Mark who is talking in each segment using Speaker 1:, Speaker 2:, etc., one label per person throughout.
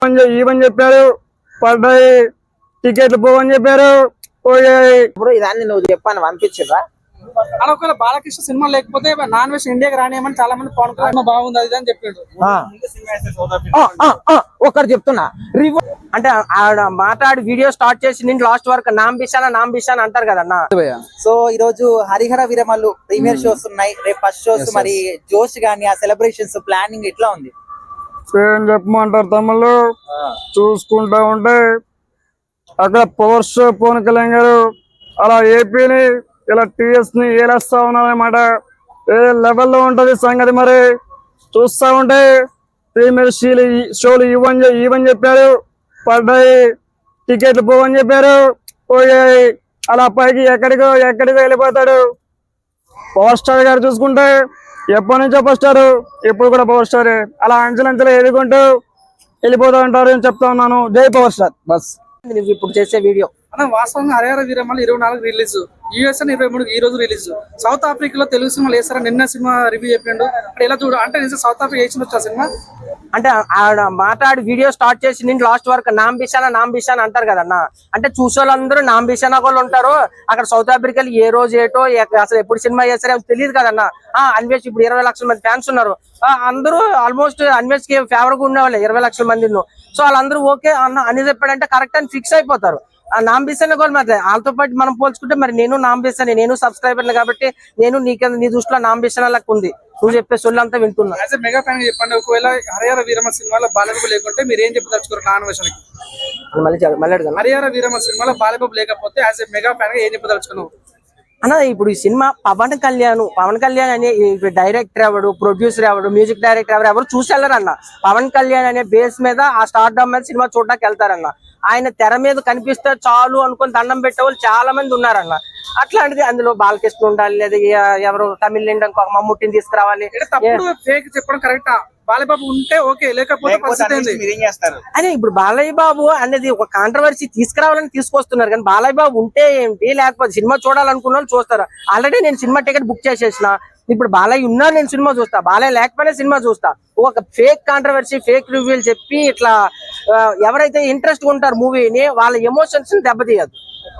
Speaker 1: ఇవని చెప్పారు, పడ్డాయి టికెట్లు పోవని చెప్పారు, పోయాయి.
Speaker 2: ఇప్పుడు ఇదాన్ని నువ్వు చెప్పాను పంపించిరా
Speaker 3: అలా ఒకవేళ బాలకృష్ణ సినిమా లేకపోతే నాన్ వెజ్ ఇండియాకి రానియమని చాలా మంది పవన్ కళ్యాణ్ బాగుంది అది అని చెప్పిండు.
Speaker 2: ఒకటి చెప్తున్నా అంటే ఆడ మాట్లాడి వీడియో స్టార్ట్ చేసి నేను లాస్ట్ వరకు నాంబిషాన్ అంటారు కదన్నా.
Speaker 4: సో ఈ రోజు హరిహర వీరమల్లు ప్రీమియర్ షోస్ ఉన్నాయి, రేపు ఫస్ట్ షోస్. మరి జోష్ గానీ ఆ సెలబ్రేషన్స్ ప్లానింగ్ ఎట్లా ఉంది?
Speaker 1: ఏం చెప్పమంటారు తమ్ముళ్ళు, చూసుకుంటా ఉంటే అక్కడ పవర్ షో పవన్ కళ్యాణ్ గారు అలా ఏపీని ఇలా టీఎస్ ని ఏలేస్తా ఉన్నారన్నమాట. ఏ లెవెల్లో ఉంటది సంగతి. మరి చూస్తా ఉంటే ప్రీమియర్ షోలు ఇవని చెప్పారు, పడ్డాయి టికెట్లు పోవని చెప్పారు, పోయాయి. అలా పైకి ఎక్కడికో వెళ్ళిపోతాడు. పవర్ స్టార్ గారు చూసుకుంటే ఎప్పటి నుంచో పవర్ స్టార్, ఎప్పుడు కూడా పవర్ స్టార్. అలా అంచెలంచెలు ఎదుగుంటూ వెళ్ళిపోతూ ఉంటారు అని చెప్తా ఉన్నాను. జై పవర్ స్టార్. బస్
Speaker 2: నువ్వు ఇప్పుడు చేసే వీడియో
Speaker 3: అన్న వాస్తవంగా హరిహర వీరమల్లు 24 రిలీజ్, యుఎస్ 23 ఈ రోజు రిలీజ్. సౌత్ ఆఫ్రికాలో తెలుగు సినిమాలు వేస్తారా? నిన్న సినిమా రివ్యూ చెప్పిండు. అంటే ఎలా చూడు అంటే నిజం సౌత్ ఆఫ్రికా వేసిన వచ్చా సినిమా?
Speaker 2: అంటే ఆడ మాట్లాడి వీడియో స్టార్ట్ చేసి నేను లాస్ట్ వరకు నాంబిషాన్ అంటారు కదన్నా. అంటే చూసేవాళ్ళందరూ నాంబిషాన్ వాళ్ళు ఉంటారు. అక్కడ సౌత్ ఆఫ్రికాలో ఏ రోజు ఏటో అసలు ఎప్పుడు సినిమా చేస్తారో తెలియదు కదన్నా. అన్వేష్ ఇప్పుడు 20 లక్షల మంది ఫ్యాన్స్ ఉన్నారు. అందరూ ఆల్మోస్ట్ అన్వేష్ కి ఫేవర్ గా ఉండేవాళ్ళు 20 లక్షల మంది. సో వాళ్ళందరూ ఓకే అని చెప్పాడంటే కరెక్ట్ అని ఫిక్స్ అయిపోతారు. నాంబిషాన్ కూడా మరి వాళ్ళతో పాటు మనం పోల్చుకుంటే మరి నేను నాంబిషాన్, నేను సబ్స్క్రైబర్ కాబట్టి నేను నీ దృష్టిలో నాంబిషాన్ లెక్క ఉంది. నువ్వు చెప్పే సొల్లు అంతా వింటున్నా.
Speaker 3: యాజ్ ఎ మెగా ఫ్యాన్ చెప్పండి, ఒకవేళ హరిహర వీరమల్లు సినిమాలో బాలబాబు లేకుంటే మీరు ఏం చెప్పదలుచుకోరు నాన్ వెజ్ కి? హరిహర వీరమల్లు సినిమాలో బాలబాబు లేకపోతే యాజ్ ఎ మెగా ఫ్యాన్ గా ఏం చెప్పదలుచుకున్నావు
Speaker 2: అన్న? ఇప్పుడు ఈ సినిమా పవన్ కళ్యాణ్ అనే డైరెక్టర్ ఎవడు, ప్రొడ్యూసర్ ఎవడు, మ్యూజిక్ డైరెక్టర్ ఎవరు చూసి వెళ్ళరన్న. పవన్ కళ్యాణ్ అనే బేస్ మీద ఆ స్టార్డమ్ మీద సినిమా చూడడానికి వెళ్తారన్న. ఆయన తెర మీద కనిపిస్తే చాలు అనుకుని దండం పెట్టే వాళ్ళు చాలా మంది ఉన్నారన్న. అట్లాంటిది అందులో బాలకృష్ణ ఉండాలి, లేదా ఎవరు తమిళ ఇంకొక మమ్ముట్టిని తీసుకురావాలి.
Speaker 3: ఫేక్ చెప్పడం కరెక్టా? బాలబాబు ఉంటే ఓకే, లేకపోతే
Speaker 2: అదే ఇప్పుడు బాలయ్య బాబు అనేది ఒక కాంట్రవర్సీ తీసుకురావాలని తీసుకొస్తున్నారు. కానీ బాలయ్య బాబు ఉంటే ఏంటి, లేకపోతే సినిమా చూడాలనుకున్న వాళ్ళు చూస్తారు. ఆల్రెడీ నేను సినిమా టికెట్ బుక్ చేసేసిన. ఇప్పుడు బాలయ్య ఉన్నా నేను సినిమా చూస్తా, బాలయ్య లేకపోయినా సినిమా చూస్తా. ఒక ఫేక్ కాంట్రవర్సీ, ఫేక్ రివ్యూలు చెప్పి ఇట్లా ఎవరైతే ఇంట్రెస్ట్ ఉంటారు మూవీని, వాళ్ళ ఎమోషన్స్ ని దెబ్బతీయదు.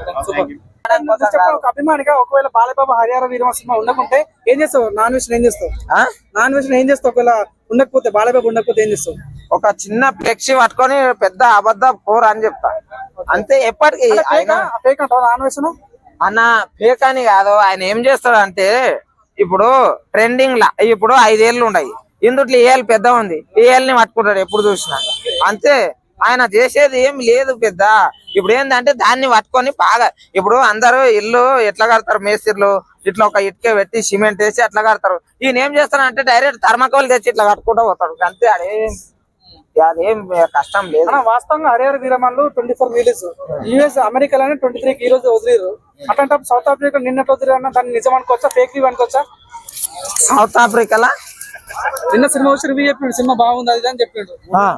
Speaker 3: ఒక అభిమానిగా ఒకవేళ బాలబాబు హరిహర వీరమల్లు సినిమా ఉండకుంటే ఏం చేస్తావు? నాన్ వెజ్ ఏం చేస్తావు? ఏం చేస్తావు? ఒకవేళ ఉండకపోతే, బాలబాబు ఉండకపోతే ఏం చేస్తావు?
Speaker 2: ఒక చిన్న ఫ్లెక్సీ పట్టుకొని పెద్ద అబద్ధ పోర్ అని చెప్తా అంతే. ఎప్పటికీ
Speaker 3: నాన్ వెజ్
Speaker 2: అన్న ఫేక్ అని కాదు. ఆయన ఏం చేస్తాడు అంటే, ఇప్పుడు ట్రెండింగ్ లా ఇప్పుడు 5 ఏళ్ళు ఉన్నాయి, ఇందుట్లో ఏళ్ళు పెద్ద ఉంది, ఏళ్ళని పట్టుకుంటాడు ఎప్పుడు చూసినా అంతే. ఆయన చేసేది ఏం లేదు పెద్ద. ఇప్పుడు ఏంటంటే దాన్ని పట్టుకొని బాగా, ఇప్పుడు అందరూ ఇల్లు ఎట్లా కడతారు, మేస్త్రీలు ఇట్లా ఒక ఇటుక పెట్టి సిమెంట్ వేసి అట్లా కడతారు. ఈయన ఏం చేస్తారంటే డైరెక్ట్ థర్మాకోల్ తెచ్చి ఇట్లా కట్టుకుంటూ పోతాడు అంతే. అదేం కష్టం లేదు.
Speaker 3: వాస్తవంగా హరిహర వీరమల్లు 24 రిలీజ్, యుఎస్ అమెరికాలోనే 23 ఈ రోజు వదిలేరు. అట్లాంటి సౌత్ ఆఫ్రికా నిన్నటి వదిలేరు అన్న, దాన్ని నిజం అనుకోవచ్చా, ఫేక్ రివ్యూ అనుకోవచ్చా?
Speaker 2: సౌత్ ఆఫ్రికాలా
Speaker 3: నిన్న సినిమా వచ్చి రివ్యూ చెప్పిండు, సినిమా బాగుంది అది అని చెప్పిండు.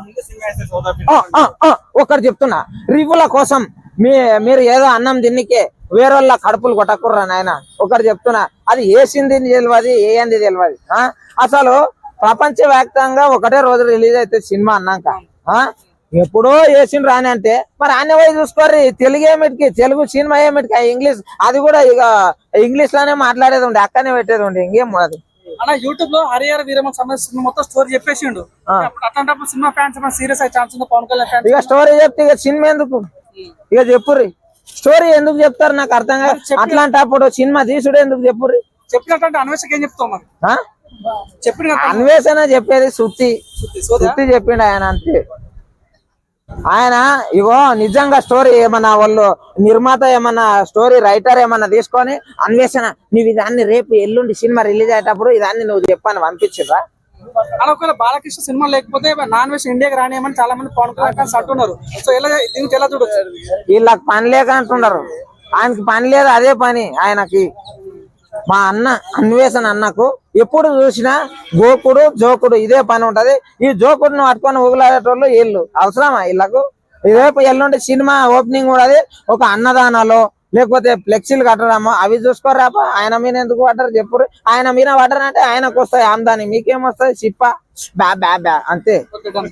Speaker 2: ఒకటి చెప్తున్నా, రివ్యూల కోసం మీరు ఏదో అన్నం తిన్నికే వేరే వాళ్ళ కడుపులు కొట్టకుర్రా నాయన. ఒకటి చెప్తున్నా, అది వేసింది తెలియదు, ఏంది తెలియదు. అసలు ప్రపంచవ్యాప్తంగా ఒకటే రోజు రిలీజ్ అయితే సినిమా అన్నాక ఎప్పుడో వేసిండ్రు రాని అంటే మరి అన్ని పోయి చూసుకోర్రి. తెలుగు ఏమిటికి, తెలుగు సినిమా ఏమిటికి, ఇంగ్లీష్ అది కూడా ఇక ఇంగ్లీష్ లోనే మాట్లాడేది ఉండే, అక్కడనే పెట్టేది ఉండే, ఇంకేం అది.
Speaker 3: అన్న యూట్యూబ్ లో హరిహర వీరమల్లు సంబంధించిన మొత్తం స్టోరీ చెప్పేసిండు. అట్లాంటప్పుడు సినిమా ఫ్యాన్స్ సీరియస్ అయ్యే ఛాన్స్ ఉంది పవన్ కళ్యాణ్ ఫ్యాన్స్.
Speaker 2: ఇక స్టోరీ చెప్తే ఇక సినిమా ఎందుకు, ఇక చెప్పుర్రి. స్టోరీ ఎందుకు చెప్తారు నాకు అర్థం కాదు. అట్లాంటప్పుడు సినిమా తీసుడు ఎందుకు చెప్పుర్రి.
Speaker 3: చెప్పినట్టు అన్వేషణ ఏం చెప్తావు మరి? చెప్పిన
Speaker 2: అన్వేషణ చెప్పేది శృతి చెప్పిండు ఆయన అంతే. ఆయన ఇగో నిజంగా స్టోరీ ఏమన్నా వాళ్ళు నిర్మాత ఏమన్నా స్టోరీ రైటర్ ఏమన్నా తీసుకొని అన్వేషణ నువ్వు ఇదాన్ని రేపు ఎల్లుండి సినిమా రిలీజ్ అయ్యేటప్పుడు ఇదాన్ని నువ్వు చెప్పాను పంపించరా?
Speaker 3: ఒకవేళ బాలకృష్ణ సినిమా లేకపోతే నాన్ వెజ్ ఇండియాకి రానియమని చాలా మంది పవన్ కళ్యాణ్ అంటున్నారు. సో దీనికి ఎలా చూడొచ్చు?
Speaker 2: వీళ్ళకి పని లేక అంటున్నారు, ఆయనకి పని లేదు, అదే పని ఆయనకి. మా అన్న అన్వేషణ అన్నకు ఎప్పుడు చూసినా గోకుడు జోకుడు ఇదే పని ఉంటది. ఈ జోకుడును పట్టుకొని ఊగులాడేటోళ్ళు వీళ్ళు అవసరమా వీళ్ళకు? రేపు ఎల్లుండి సినిమా ఓపెనింగ్ కూడా ఒక అన్నదానాలు లేకపోతే ఫ్లెక్సీలు కట్టడము అవి చూసుకోరాప. ఆయన మీద ఎందుకు పడ్డారు చెప్పురు? ఆయన మీద పడ్డారంటే ఆయనకు వస్తాయి ఆమ్దాని, మీకేమొస్తాయి? చిప్ప బ్యా బ్యా బ్యా అంతే.